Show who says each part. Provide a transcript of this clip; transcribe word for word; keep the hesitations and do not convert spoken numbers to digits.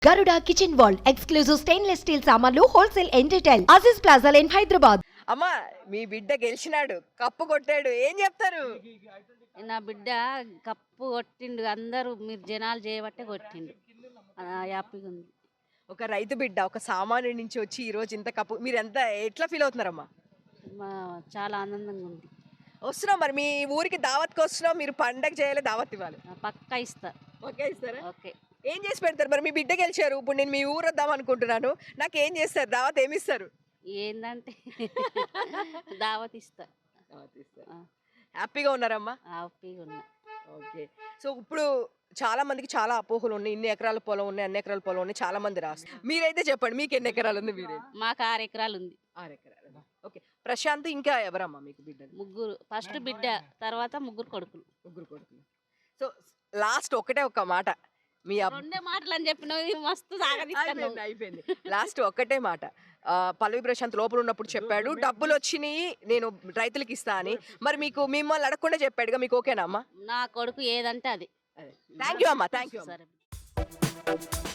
Speaker 1: Garuda Kitchen World exclusive stainless steel సామాన్లు wholesale and retail Aziz Plaza in Hyderabad.
Speaker 2: అమ్మా మీ బిడ్డ గెలిచినాడు, cup కొట్టాడు, ఏం చెప్తారు?
Speaker 3: నా బిడ్డ కప్పు కొట్టిండు, అందరూ మీరు జనాలు చేయబట్టే కొట్టిండు. ఆ, హ్యాపీగా ఉంది.
Speaker 2: ఒక రైతు బిడ్డ ఒక సామాన్యుడి నుంచి వచ్చి ఈ రోజు ఇంత కప్పు, మీరు ఎంత ఎట్లా ఫీల్ అవుతున్నారమ్మా?
Speaker 3: మా చాలా ఆనందంగా ఉంది.
Speaker 2: వస్తున్నాం, మరి మీ ఊరికి దావత్కి వస్తున్నాం, మీరు పండగ చేయాలి, దావత్ ఇవ్వాలి.
Speaker 3: ఆ, పక్కా ఇస్తా.
Speaker 2: ఓకే ఇస్తారా?
Speaker 3: ఓకే.
Speaker 2: ఏం చేసి పెడతారు? మరి మీ బిడ్డ గెలిచారు, ఇప్పుడు నేను మీ ఊరు వద్దాం అనుకుంటున్నాను, నాకు ఏం చేస్తారు? దావత్ ఏమి ఇస్తారు?
Speaker 3: ఏందంటే దావత్ ఇస్తా. ఆ,
Speaker 2: హ్యాపీగా ఉన్నారమ్మా?
Speaker 3: హ్యాపీగా ఉన్నా.
Speaker 2: ఓకే. సో ఇప్పుడు చాలా మందికి చాలా అపోహలు ఉన్నాయి, ఇన్ని ఎకరాల పొలం ఉన్నాయి, అన్ని ఎకరాల పొలం ఉన్నాయి, చాలా మంది రాస్తారు. మీరైతే చెప్పండి, మీకు ఎన్ని ఎకరాలు ఉంది? మీరే?
Speaker 3: మాకు ఆరు ఎకరాలు ఉంది.
Speaker 2: ఆరు ఎకరాలు. ఓకే. ప్రశాంత్ ఇంకా ఎవరమ్మా మీకు బిడ్డలు?
Speaker 3: ముగ్గురు, ఫస్ట్ బిడ్డ, తర్వాత ముగ్గురు కొడుకులు.
Speaker 2: ముగ్గురు కొడుకులు. సో లాస్ట్ ఒకటే ఒక మాట, మీ అబ్బ
Speaker 3: రెండే మాటలు అని చెప్పినవి మస్తు సాగదీస్తాను.
Speaker 2: అయిపోయింది అయిపోయింది లాస్ట్ ఒక్కటే మాట. ఆ, పల్లవి ప్రశాంత్ లోపల ఉన్నప్పుడు చెప్పాడు డబ్బులు వచ్చినాయి నేను రైతులకు ఇస్తా అని, మరి మీకు మిమ్మల్ని అడగకుండా చెప్పాడుగా, మీకు ఓకేనా అమ్మా?
Speaker 3: నా కొడుకు ఏదంటే అది.
Speaker 2: థ్యాంక్ యూ అమ్మా, థ్యాంక్ యూ.
Speaker 3: సరే.